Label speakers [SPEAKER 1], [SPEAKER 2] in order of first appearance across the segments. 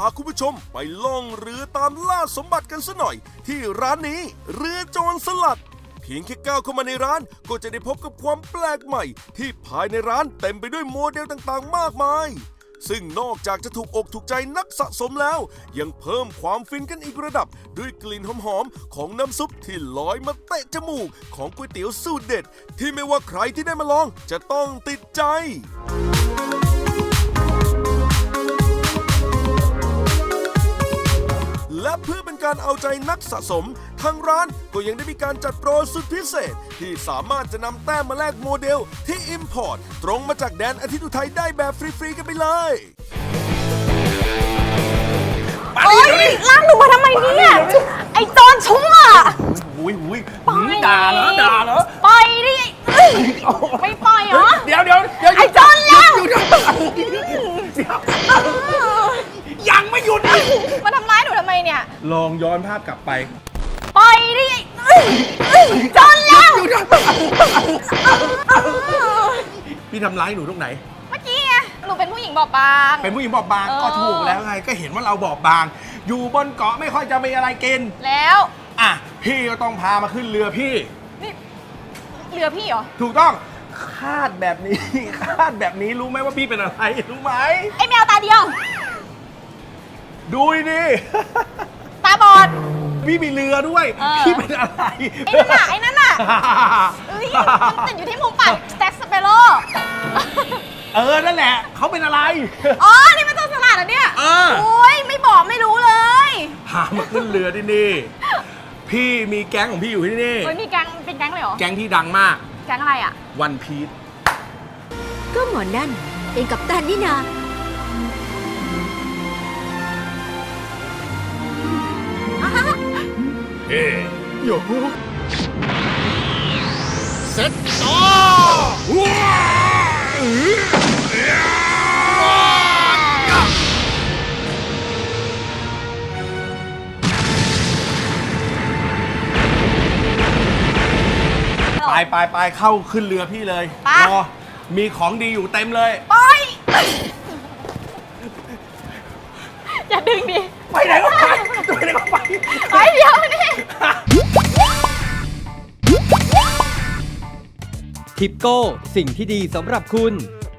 [SPEAKER 1] าคุณผู้ชมไปล่องเรือตามล่าสมบัติกันซะหน่อยที่ร้านนี้เรือโจรสลัดเพียงแค่ก้าวเข้ามาในร้านก็จะได้พบกับความแปลกใหม่ที่ภายในร้านเต็มไปด้วยโมเดลต่างๆมากมายซึ่งนอกจากจะถูกอกถูกใจนักสะสมแล้วยังเพิ่มความฟินกันอีกระดับด้วยกลิ่นหอมๆของน้ำซุปที่ลอยมาเตะจมูกของก๋วยเตี๋ยวสูตรเด็ดที่ไม่ว่าใครที่ได้มาลองจะต้องติดใจและเพื่อเป็นการเอาใจนักสะสมทางร้านก็ยังได้มีการจัดโปรสุดพิเศษที่สามารถจะนำแต้มมาแลกโมเดลที่ Import ตรงมาจากแดนอาทิตย์อุทัยได้แบบฟรีๆกันไปเลย
[SPEAKER 2] โอ๊ยลากหนูมาทำไมเนี่ย ไอ้โจรชั่ว
[SPEAKER 3] อุ้ยด่าเหรอ
[SPEAKER 2] ปล่อยดิไม่ปล่อยเหรอ
[SPEAKER 3] เดี๋ยว
[SPEAKER 2] ไอ้โจรแล้ว
[SPEAKER 3] ยังไม่หยุดอีก
[SPEAKER 2] มาทำร้ายหนูทำไมเนี่ย
[SPEAKER 3] ลองย้อนภาพกลับไป
[SPEAKER 2] ปล่อยดิโจรแล้ว
[SPEAKER 3] พี่ทำร้ายหนูตรงไหน
[SPEAKER 2] เมื่อกี้ไงหนูเป็นผู้หญิงบอบบาง
[SPEAKER 3] เป็นผู้หญิงบอบบางก็ถูกแล้วไงก็เห็นว่าเราบอบบางอยู่บนเกาะไม่ค่อยจะมีอะไรกิน
[SPEAKER 2] แล้ว
[SPEAKER 3] อ่ะพี่ก็ต้องพามาขึ้นเรือพี่
[SPEAKER 2] นี่เรือพี่เหรอ
[SPEAKER 3] ถูกต้องคาดแบบนี้รู้ไหมว่าพี่เป็นอะไรรู้ไหม
[SPEAKER 2] ไอ้แมวตาเดียว
[SPEAKER 3] ดูดิ
[SPEAKER 2] ตาบอด
[SPEAKER 3] พี่มีเรือด้วยพี่เป็นอะไร
[SPEAKER 2] ไอ้นั่นน่ะเอ้ยมันติดอยู่ที่มุมปากแจ็คสเปโร่
[SPEAKER 3] นั่นแหละเขาเป็นอะไร
[SPEAKER 2] อ๋อนี่มันโจรสลัดเหรอเนี่ยโอ้ยไม่บอกไม่รู้เลย
[SPEAKER 3] พามาขึ้นเรือที่นี่พี่มีแก๊งของพี่อยู่ที่นี่
[SPEAKER 2] เฮ้ยมีแก๊งเป็นแก๊งเลยเหรอ
[SPEAKER 3] แก๊งที่ดังมาก
[SPEAKER 2] แก๊งอะไรอ่ะ
[SPEAKER 3] วันพีช
[SPEAKER 4] ก็หมอนั่นเป็นกัปตันนี่นา
[SPEAKER 3] เฮ้ยโยเซ็ตต่อไปเข้าขึ้นเรือพี่เลยรอมีของดีอยู่เต็มเลย
[SPEAKER 2] ไปอย่าดึงดิ
[SPEAKER 3] ไปไหนก็ไป
[SPEAKER 2] ไปเดี๋ยวนี่
[SPEAKER 5] ทิปโก้สิ่งที่ดีสำหรับคุณ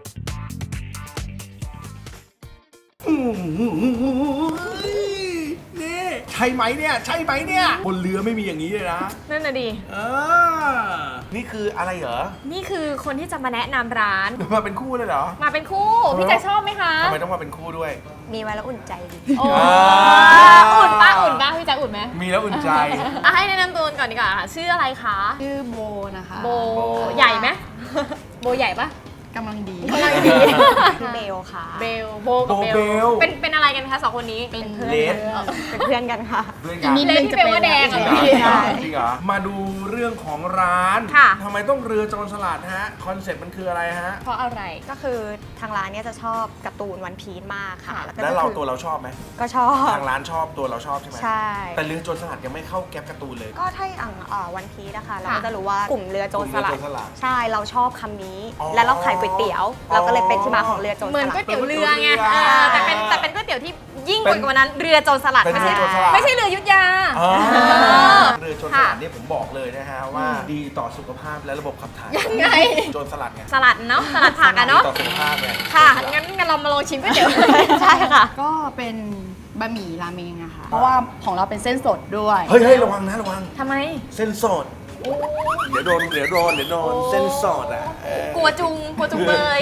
[SPEAKER 3] นี่ใช่ไหมเนี่ยบนเรือไม่มีอย่างนี้เลยนะ
[SPEAKER 2] นั่นน่ะดิ
[SPEAKER 3] นี่คืออะไรเหรอ
[SPEAKER 2] นี่คือคนที่จะมาแนะนำร้าน
[SPEAKER 3] มาเป็นคู่เลยเหรอ
[SPEAKER 2] มาเป็นคู่พี่แจ็คชอบไหมคะ
[SPEAKER 3] ทำไมต้องมาเป็นคู่ด้วย
[SPEAKER 4] มีไว้แล้วอุ่นใจดี
[SPEAKER 2] อุ่นป้าพี่แจ็คอุ่นไหม
[SPEAKER 3] มีแล้วอุ่นใจ
[SPEAKER 2] ให้แนะนำตัวก่อนดีกว่าชื่ออะไรคะ
[SPEAKER 6] ชื่อโบนะคะ
[SPEAKER 2] โบใหญ่ไหมโบใหญ่ปะ
[SPEAKER 6] กำลังดี
[SPEAKER 4] คือเบลค่ะ
[SPEAKER 2] โบกับเบลเป็นอะไรกันคะสองคนนี้
[SPEAKER 4] เป็นเพื่อนกันค่ะ
[SPEAKER 2] มีเลนที่เป็นว่าแดงเหรอ
[SPEAKER 3] จริงเหรอมาดูเรื่องของร้านทำไมต้องเรือโจรสลัดฮะคอนเซ็ปต์มันคืออะไรฮะ
[SPEAKER 2] เพราะอะไร
[SPEAKER 4] ก็คือทางร้านเนี่ยจะชอบการ์ตูนวันพีซมากค่ะ
[SPEAKER 3] แล้วตัวเราชอบไหม
[SPEAKER 4] ก็ชอบ
[SPEAKER 3] ทางร้านชอบตัวเราชอบใช่ไหม
[SPEAKER 4] ใช่
[SPEAKER 3] แต่เรือโจรสลัดยังไม่เข้าแก๊ปการ์ตูนเลย
[SPEAKER 4] ก็ถ้าอย่างวันพีซนะคะเราก็จะรู้ว่ากลุ่มเรือโจรสลัดใช่เราชอบคำนี้และเราขายก๋วยเตี๋ยวเราก็เลยเป็นที่มาของเรือโจรสลัด
[SPEAKER 2] เหมือนก๋วยเตี๋ยวเรือไงแต่เป็นก๋วยเตี๋ยวที่ยิ่งกว่านั้นเรือโจรสลัดไม่ใช่เรือยุทธยา
[SPEAKER 3] เรือโจรสลัดนี่ผมบอกเลยนะฮะว่าดีต่อสุขภาพและระบบขับถ่าย
[SPEAKER 2] ยังไง
[SPEAKER 3] โจรสลัดไง
[SPEAKER 2] สลัดเนาะสลัดผักอะเนาะ
[SPEAKER 3] ต่อสุขภาพไง
[SPEAKER 2] ค่ะงั้นเรามาลองชิมก๋วยเตี๋ยว
[SPEAKER 4] ใช่ค่ะ
[SPEAKER 6] ก็เป็นบะหมี่ราเมงอะค่ะเพราะว่าของเราเป็นเส้นสดด้วย
[SPEAKER 3] เฮ้ยระวัง
[SPEAKER 2] ทำไม
[SPEAKER 3] เส้นสดเดี๋ยวโดนเส้นสดอ่ะ
[SPEAKER 2] กลัวจุงเบย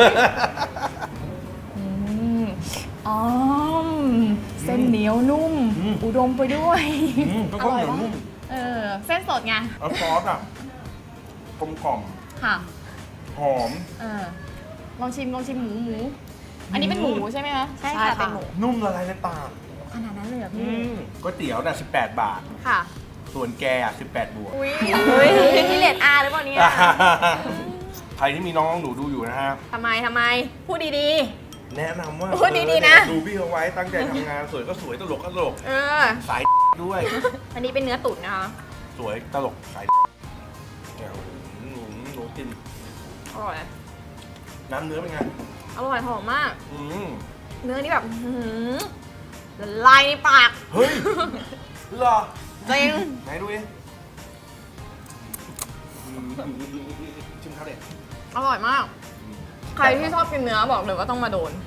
[SPEAKER 2] เส้นเหนียวนุ่มอุดมไปด้วย
[SPEAKER 3] อร่อยมาก
[SPEAKER 2] เส้นสดไง
[SPEAKER 3] ซอสอ่ะกลมกล่อม
[SPEAKER 2] ค่ะ
[SPEAKER 3] หอม
[SPEAKER 2] ลองชิมหมูอันนี้เป็นหมูใช่ไหมคะ
[SPEAKER 4] ใช่ค่ะเป็นหมู
[SPEAKER 3] นุ่มละลายในปาก
[SPEAKER 2] ขนาดนั้นเลยเหรอพี่
[SPEAKER 3] ก๋วยเตี๋ยวน่ะ18 บาท
[SPEAKER 2] ค่ะ
[SPEAKER 3] ส่วนแก18 บวก
[SPEAKER 2] อุ้ยนี่เรทอาร์หรือเปล่าเนี่ย
[SPEAKER 3] ใครที่มีน้องหนูดูอยู่นะฮะ
[SPEAKER 2] ทำไมพูดดี
[SPEAKER 3] ๆแนะนำว่า
[SPEAKER 2] พูดดีๆนะ
[SPEAKER 3] ดูพี่เขาไว้ตั้งใจทำงานสวยก็สวยตลกก็ตลกสายด้วย
[SPEAKER 2] อันนี้เป็นเนื้อตุ๋นนะคะ
[SPEAKER 3] สวยตลกสายหนูกิน
[SPEAKER 2] อร่อย
[SPEAKER 3] น้ำเนื้อเป็นไง
[SPEAKER 2] อร่อยหอมมากเนื้อนี่แบบละลายในปาก
[SPEAKER 3] เฮ้ยเหรอ
[SPEAKER 2] จริง
[SPEAKER 3] ไหนดูดิชิมข้าวเด็ด
[SPEAKER 2] อร่อยมาก ใครที่ชอบกินเนื้อบอกเลยว่าต้องมาโดน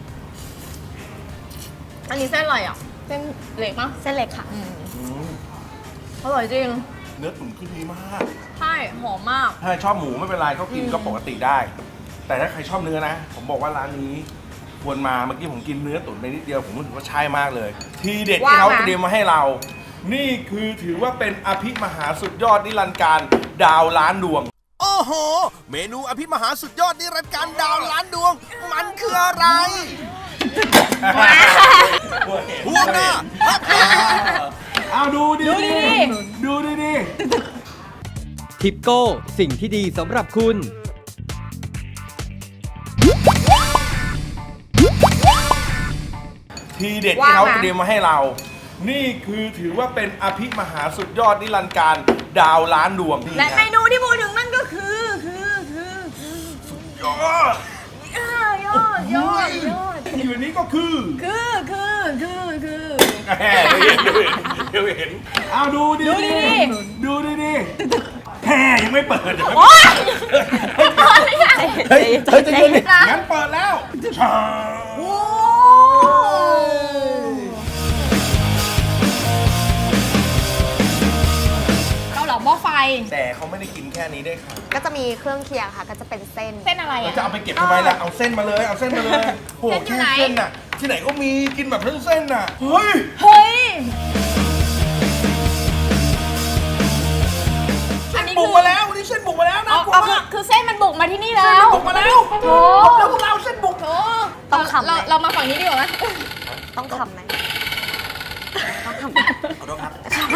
[SPEAKER 2] อันนี้เส้นอะไรอ่ะ เส้นเล็กปะ
[SPEAKER 4] เส้นเล็กค่ะ
[SPEAKER 2] อร่อยจริง
[SPEAKER 3] เนื้อตุ๋นคือดีมาก
[SPEAKER 2] ใช่ หอมมาก
[SPEAKER 3] ถ้าชอบหมูไม่เป็นไรก็กินก็ปกติได้ แต่ถ้าใครชอบเนื้อนะ ผมบอกว่าร้านนี้ควรมาเมื่อกี้ผมกินเนื้อตุ๋นไปนิดเดียวผมรู้สึกว่าใช่มากเลย ทีเด็ดที่เขา
[SPEAKER 2] ว่ามา
[SPEAKER 3] เตรียมมาให้เรา นี่คือถือว่าเป็นอภิมหาสุดยอดนิรันดร์การดาวล้านดวง
[SPEAKER 1] โอ้โห เมนูอภิมหาสุดยอดนิรันดร์การดาวล้านดวง มันคืออะไรหัวหน้า
[SPEAKER 3] เอาดูดิดูดิ
[SPEAKER 5] ทิปโก้สิ่งที่ดีสำหรับคุณ
[SPEAKER 3] ทีเด็ดที่เขาเตรียมมาให้เรา นี่คือถือว่าเป็นอภิมหาสุดยอดนิรันดร์การดาวล้านดวง
[SPEAKER 2] และเมนูที่พูดถึงนั่นก็คือ
[SPEAKER 3] ยอด
[SPEAKER 2] ยอด
[SPEAKER 3] ที่วันนี้ก็คือ แหมเดี๋ยวเห็นเอาดูดิแหมยังไม่เปิดเดี๋ยวเฮ้ยจะยืนงั้นเปิดแล้ว
[SPEAKER 6] เกาเหลาหม้อไฟ
[SPEAKER 3] แต่เขาไม่ได้กินแค่นี้ด้วยค่ะ
[SPEAKER 4] ก็จะมีเครื่องเคียงค่ะ ก็จะเป็นเส้น
[SPEAKER 6] เส้นอะไร
[SPEAKER 3] เรา
[SPEAKER 6] อ่ะ
[SPEAKER 3] จะเอาไปเก็บทำไมล่ะเอาเส้นมาเลยโห
[SPEAKER 6] เส้นอยู่
[SPEAKER 3] แค่
[SPEAKER 6] ไหน
[SPEAKER 3] เส้นน่ะที่ไหนก็มีกินแบบเส้นน่ะเฮ้ย
[SPEAKER 6] เฮ้ย อันนี้
[SPEAKER 3] บุ
[SPEAKER 6] คื
[SPEAKER 3] ก
[SPEAKER 6] อ
[SPEAKER 3] มาแล้ววันนี้เส้นบุกมาแล้วนะกลัวมาก
[SPEAKER 6] คือเส้นมันบุกมาที่นี่แล้ว
[SPEAKER 3] บุกมาแล้ว
[SPEAKER 6] โอ้
[SPEAKER 3] แล้วพวกเราเส้นบุก
[SPEAKER 6] โห
[SPEAKER 4] ต้องทำไหม
[SPEAKER 6] เรามาฝั่งนี้ดีกว่าไหม
[SPEAKER 4] ต้องทำไหม
[SPEAKER 3] ขอโทษครับ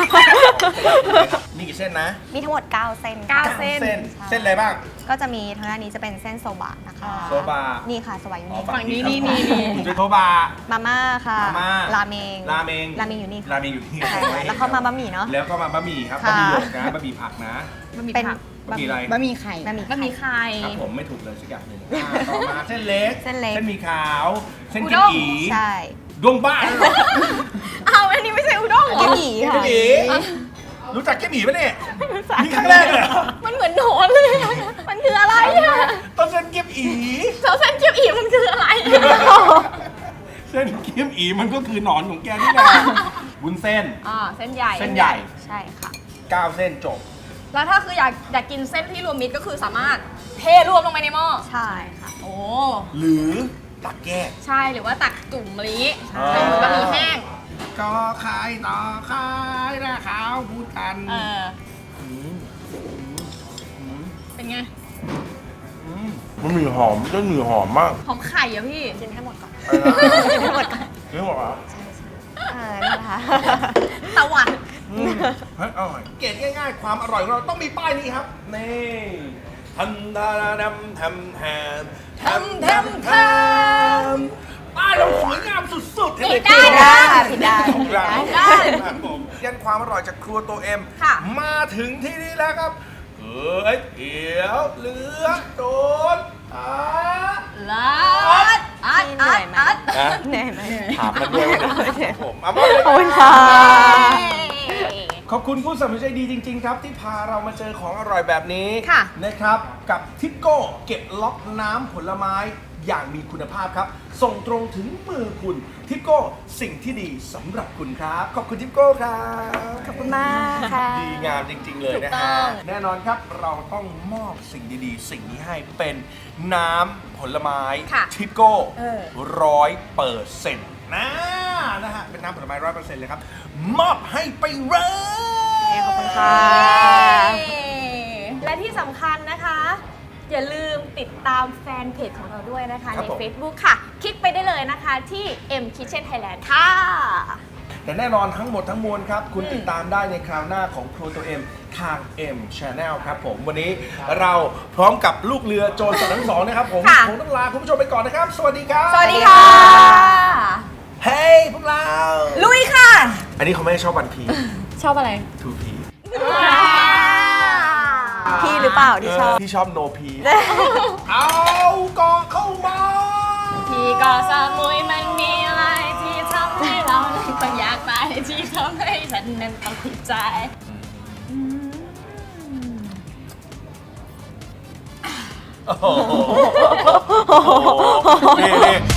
[SPEAKER 3] มีกี่เส้นนะ
[SPEAKER 4] มีทั้งหมด 9 เส้น
[SPEAKER 2] 9 เส้น
[SPEAKER 3] เส้นอะไรบ้าง
[SPEAKER 4] ก็จะมีทางด้านนี้จะเป็นเส้นโซบะนะคะ
[SPEAKER 3] โซบะ
[SPEAKER 4] นี่ค่ะสวายอยู่นี่
[SPEAKER 6] ฝั่งนี้นี่
[SPEAKER 3] เป็นโทบะ
[SPEAKER 4] มาม่าค่ะ
[SPEAKER 3] มาม่า
[SPEAKER 4] ราเมง
[SPEAKER 3] ราเมง
[SPEAKER 4] ราเมงอยู่นี่ค่ะ
[SPEAKER 3] ราเมงอยู่ที่
[SPEAKER 4] ใช่ค่ะแล้วเข้ามาบะหมี่เนาะ
[SPEAKER 3] แล้วก็มาบะหมี่ครับ
[SPEAKER 4] ค่ะ
[SPEAKER 3] บะหมี่หยกนะบะหมี่ผักนะ
[SPEAKER 4] เป็น
[SPEAKER 3] บะหมี่อะไร
[SPEAKER 6] บะหมี่ไข่
[SPEAKER 4] บะหมี่
[SPEAKER 2] บะหมี่ไข่
[SPEAKER 3] ครับผมไม่ถูกเลยสักอย่างหนึ่งต่อมาเส้นเล็ก
[SPEAKER 4] เส้นเล็ก
[SPEAKER 3] เส้นหมี่ขาว เส้น
[SPEAKER 2] อุ
[SPEAKER 3] กิ
[SPEAKER 2] ด้
[SPEAKER 3] ม
[SPEAKER 2] ง
[SPEAKER 3] อี
[SPEAKER 4] ใช่
[SPEAKER 3] ดวงบ้าเหรอ
[SPEAKER 2] เอาอันนี้ไม่ใช่อุด้งเหรอ
[SPEAKER 4] กิมอีค่ะ
[SPEAKER 3] กิมอีรู้จักกิมอีปะเนี่ยนี่ครั้งแรกเลยเหรอ
[SPEAKER 2] มันเหมือนหนอนเลยอะมันคืออะไรอ่ะ
[SPEAKER 3] ต้นเส้นกิมอี
[SPEAKER 2] เส้นเกี๊ยวอีมันคืออะไรอะ
[SPEAKER 3] เส้นกิมอีมันก็คือหนอนของแกนี่แหละวุ้นเส้น
[SPEAKER 2] เส้นใหญ่
[SPEAKER 3] เส้นใหญ่
[SPEAKER 4] ใช่ค่ะ
[SPEAKER 3] 9 เส้นจบ
[SPEAKER 2] แล้วถ้าคืออยากกินเส้นที่รวมมิตรก็คือสามารถเทรวมลงไปในหม้อ
[SPEAKER 4] ใช่ค่ะ
[SPEAKER 2] โอ้
[SPEAKER 3] หรือตักแยก
[SPEAKER 2] ใช่หรือว่าตักจุ่มมะลิ
[SPEAKER 3] ใช่
[SPEAKER 2] เป็นเหมือนบะหมี่แห้ง
[SPEAKER 3] ก็ขายต่อขายนะขาวพูดกัน
[SPEAKER 2] เป็นไง
[SPEAKER 3] มันมีหอมก็มีหอมมาก
[SPEAKER 2] หอมไข่อะพี่
[SPEAKER 4] กินให้หมดก่อน
[SPEAKER 3] กิ
[SPEAKER 4] กินให้หมดก่อน
[SPEAKER 3] นหมดเหรอ
[SPEAKER 4] นี่นะคะ
[SPEAKER 2] ตะวัน
[SPEAKER 3] เฮ้ยอร่อยเกตง่ายๆ ความอร่อยของเราต้องมีป้ายนี้ครับ นี่ทันดาดำแทมแทมแทมแทมแทมป้ายเราสวยงามสุดๆ
[SPEAKER 2] ผิดได้นะ
[SPEAKER 4] ผิดได้
[SPEAKER 3] ของเรา
[SPEAKER 2] ผิดได้
[SPEAKER 3] ครับผมยันความอร่อยจากครัวตัวเอ็ม
[SPEAKER 2] ค่ะ
[SPEAKER 3] มาถึงที่นี่แล้วครับเฮ้ยเขียวเหลืองโดน
[SPEAKER 2] ลาดอัด
[SPEAKER 4] เหนื่อยไหม
[SPEAKER 3] นะ
[SPEAKER 4] เหนื่อยไหม
[SPEAKER 3] ถามมันด้วยนะครับผมเอามาเลย
[SPEAKER 4] ขอบคุณค่ะ
[SPEAKER 3] ขอบคุณผู้สนับสนุนใจดีจริง ๆ ครับ ที่พาเรามาเจอของอร่อยแบบนี้
[SPEAKER 2] ค่ะ
[SPEAKER 3] นะครับกับทิปโก้เก็บล็อกน้ำผลไม้อย่างมีคุณภาพครับ ส่งตรงถึงมือคุณทิปโก้สิ่งที่ดีสำหรับคุณครับ ขอบคุณทิปโก้ครับ
[SPEAKER 4] ขอบคุณมากค่ะ
[SPEAKER 3] ดีงามจริง ๆ เลยนะ
[SPEAKER 2] ถูกต้
[SPEAKER 3] ฮะ
[SPEAKER 2] อง
[SPEAKER 3] แน่นอนครับเราต้องมอบสิ่งดีๆ สิ่งนี้ให้เป็นน้ำผลไม้
[SPEAKER 2] ค่ะ
[SPEAKER 3] ทิปโก้
[SPEAKER 2] 100%
[SPEAKER 3] นะฮะเป็นน้ำผลไม้100%เลยครับ มอบให้ไปเลย
[SPEAKER 4] ขอบคุณค่ะ
[SPEAKER 2] และที่สำคัญนะคะ อย่าลืมติดตามแฟนเพจของเราด้วยนะคะ
[SPEAKER 3] ครับ
[SPEAKER 2] ใน
[SPEAKER 3] ผม
[SPEAKER 2] Facebook ค่ะ คลิกไปได้เลยนะคะที่ M Kitchen Thailand ค่ะ
[SPEAKER 3] แต่แน่นอนทั้งหมดทั้งมวลครับ คุณติดตามได้ในคราวหน้าของครัวตัวเอ็มทาง M Channel ครับผม วันนี้เราพร้อมกับลูกเรือโจรสลัดทั้งสองนะครับผม
[SPEAKER 2] ค่ะ
[SPEAKER 3] ผมต้องลาคุณผู้ชมไปก่อนนะครับ สวัสดีครับ
[SPEAKER 2] สวัสดีค่ะ
[SPEAKER 3] เฮ้ยพวกเรา
[SPEAKER 2] ลุยค่ะ
[SPEAKER 3] อันนี้เขาไม่ได้ชอบวันพี
[SPEAKER 6] ชอบอะไร
[SPEAKER 3] ทูพี
[SPEAKER 4] พี่หรือเปล่าที่ชอบ
[SPEAKER 3] พี่ชอบโนพี เอาเกาะเข้ามา
[SPEAKER 2] ที่เกาะสมุยมันมีอะไรที่ทำให้เรานั้นไปที่ทำให้ฉันนั้นต้องใจ
[SPEAKER 3] นี่